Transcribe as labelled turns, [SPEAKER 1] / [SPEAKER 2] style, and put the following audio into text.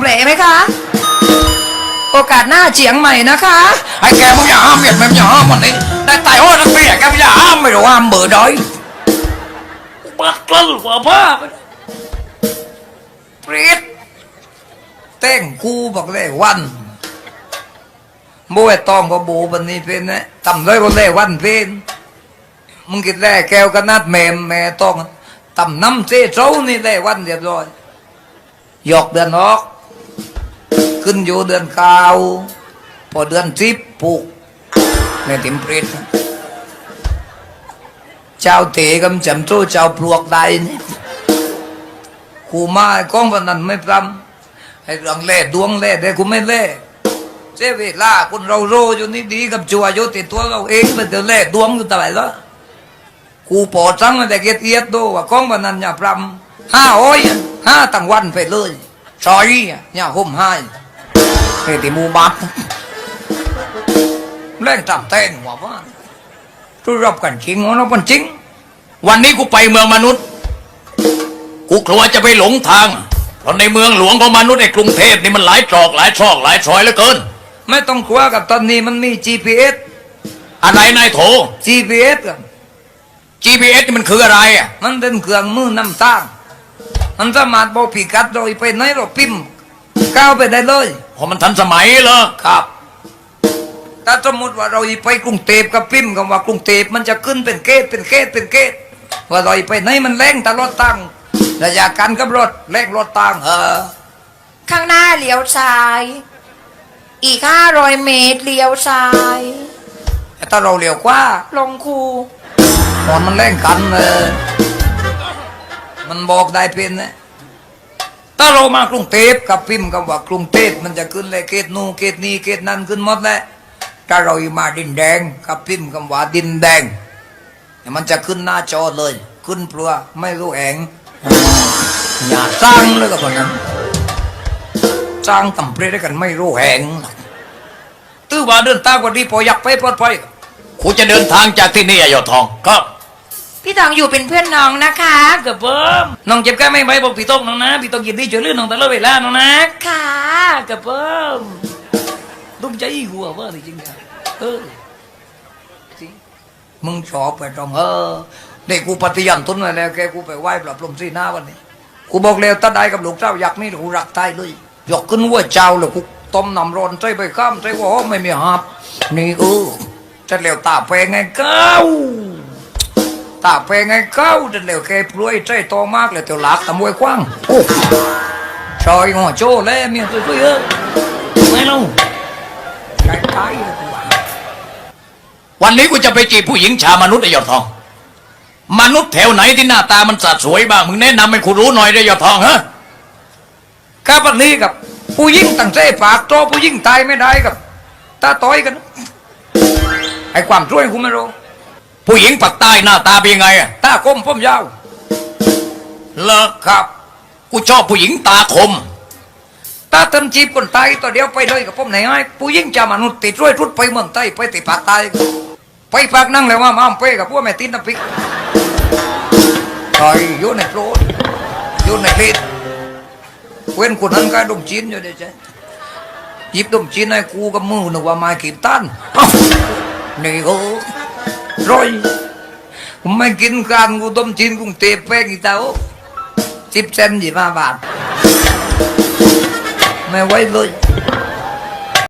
[SPEAKER 1] ม่ไหมคะโอกาสหน้าเจียงใหม่นะคะ
[SPEAKER 2] ไอ้แกมึงอย่าห้ามเมียดมึงอย่าห้ามมันนี่ได้ตายโอ้นักเมียแกมึงอย่าห้ามไม่รู้ห้ามเบื่อด้อยบัดกลั้นกว่าบ้าเปรียดเต้งกูบอกเลยวันโบไอ้ตองก็โบบันนี้เป็นนะทำเลยก็เลยวันเป็นมึงกินแร่แก้วกันนัดแม่แม่ต้องทำน้ำเสียเจ้านี่เลยวันเรียบร้อยหยอกเดือนออกขึ้นอยู่เดือนเก้าพอเดือนสิบปลูกในติมเปรตเจ้าเตะกำจำโตเจ้าปลวกได้นี่กูมาก้องวันนั้นไม่พรำให้เรื่องเล่ดวงเล่ได้กูไม่เล่เสียเวลาคนเราโรอยู่นี่ดีกับจัวอยู่ติดตัวเราเองมันจะเล่ดวงอยู่ตลอดแล้วกูปอดจังแต่เกียรติดูว่าก้องวันนั้นอย่าพรำ5 ตั้งวันไปเลยซอยอย่าห่มให้ไอ้ที่มูบัดเล่นตามเต้นว่าทุรบกันจริงเราเป็นจริงวันนี้กูไปเมืองมนุษย์กูกลัวจะไปหลงทางเพราะในเมืองหลวงของมนุษย์ในกรุงเทพนี่มันหลายตรอกหลายซอกหลายซอยเหลือเกินไม่ต้องกลัวกับตอนนี้มันมี GPS อะไรนายโถ GPS กัน GPS นี่มันคืออะไรอ่ะมันเป็นเครื่องมือนำทางมันสามารถบอกพิกัดโดยไปไหนเราพิมพ์ก้าวไปได้เลยเพราะมันทันสมัยเหรอครับถ้าสมมติว่าเราไปกรุงเทพกับพิมพ์คำว่ากรุงเทพมันจะขึ้นเป็นเกตว่าเราไปไหนมันแรงตลอดตั้งระยะการกับรถแรงรถตั้ง
[SPEAKER 1] ข้างหน้าเลี้ยวซ้ายอีก500 เมตรเลี้ยวซ้าย
[SPEAKER 2] ถ้าเราเลี้ยวกว่า
[SPEAKER 1] ลงคู
[SPEAKER 2] มันแรงกันมันบอกได้เป็นนะถ้าเรามากรุงเทพกับพิมพ์คำว่ากรุงเทพมันจะขึ้นเลยเกตนูเกตนี้เกตนั้นขึ้นหมดแล้วถ้าเรามาดินแดงกับพิมพ์คำว่าดินแดงมันจะขึ้นหน้าจอเลยขึ้นเปลือไม่รู้แหงอย่าสร้างเลยกับพวกนั้นสร้างตำเปรได้กันไม่รู้แหงตื้อว่าเดินทางวันนี้พออยากไปปลอดภัยกูจะเดินทางจากที่นี่ยอดทองครับ
[SPEAKER 1] พี่ทองอยู่เป็นเพื่อนน้องนะคะ
[SPEAKER 2] กับผมน้องเจ็บแค่ไม่ไหวบอกพี่ต้องน้องนะพี่ต้องยินดีช่วยเหลือน้องตลอดเวลาน้องนะ
[SPEAKER 1] ค่ะ
[SPEAKER 2] กับผมตุ้มใจหัวว่าจริงๆมึงชอบไปตรงเด็กกูปฏิญาณตนไว้แล้วแกกูไปไหว้ปรับลมสีหน้าวันนี้กูบอกแล้วถ้าได้กับลูกเจ้าอยากนี่กูรักตายเลยยกขึ้นว่าเจ้าเลยกูต้มน้ำร้อนใจไปข้ามใจว่าไม่มีหับนี่จะเหลวตาแพงไงเก้าตาแพงไงเก้าจะเหลวแกปลุยใจโตมากเลยเตียวหลักตะมวยกว้างโอ้ชอยหัวโจ้แล้วเมียตัวเยอะไม่ลงใจตายวันนี้กูจะไปจีบผู้หญิงชาวมนุษย์ไอ้ยอดทองมนุษย์แถวไหนที่หน้าตามันสะสวยบ้างมึงแนะนำให้กูรู้หน่อยได้ยอดทองฮะข้าพันนี้กับผู้หญิงตั้งใจปากโตผู้หญิงตายไม่ได้กับตาต้อยกันไอ้ความช่วยกูไม่รู้ผู้หญิงปากใต้หน้าตาเป็นยังไงอะตาคมผมยาวเลิกครับกูชอบผู้หญิงตาคมตาเติมจีบคนตายตัวเดียวไปเลยกับผมไหนไอ้ผู้หญิงจะมนุษย์ติดช่วยทุดไปเมืองใต้ไปติดปากใต้ไปปากนั่งเลยว่ามาเป้กับพวกแม่ตีนน้ำพริกถอยอยู่ในโปรดอยู่ในเพชรเว้นคนนั้นก็ดมจีนอยู่เดี๋ยวจะหยิบดมจีนให้กูกับมือหนึ่งว่ามาขีดตันนี่ก็ร้อยผมไม่กินการกูดมจีนกูเตะแป้งอีเต้า10 เซนต์25 บาทไม่ไหวเลย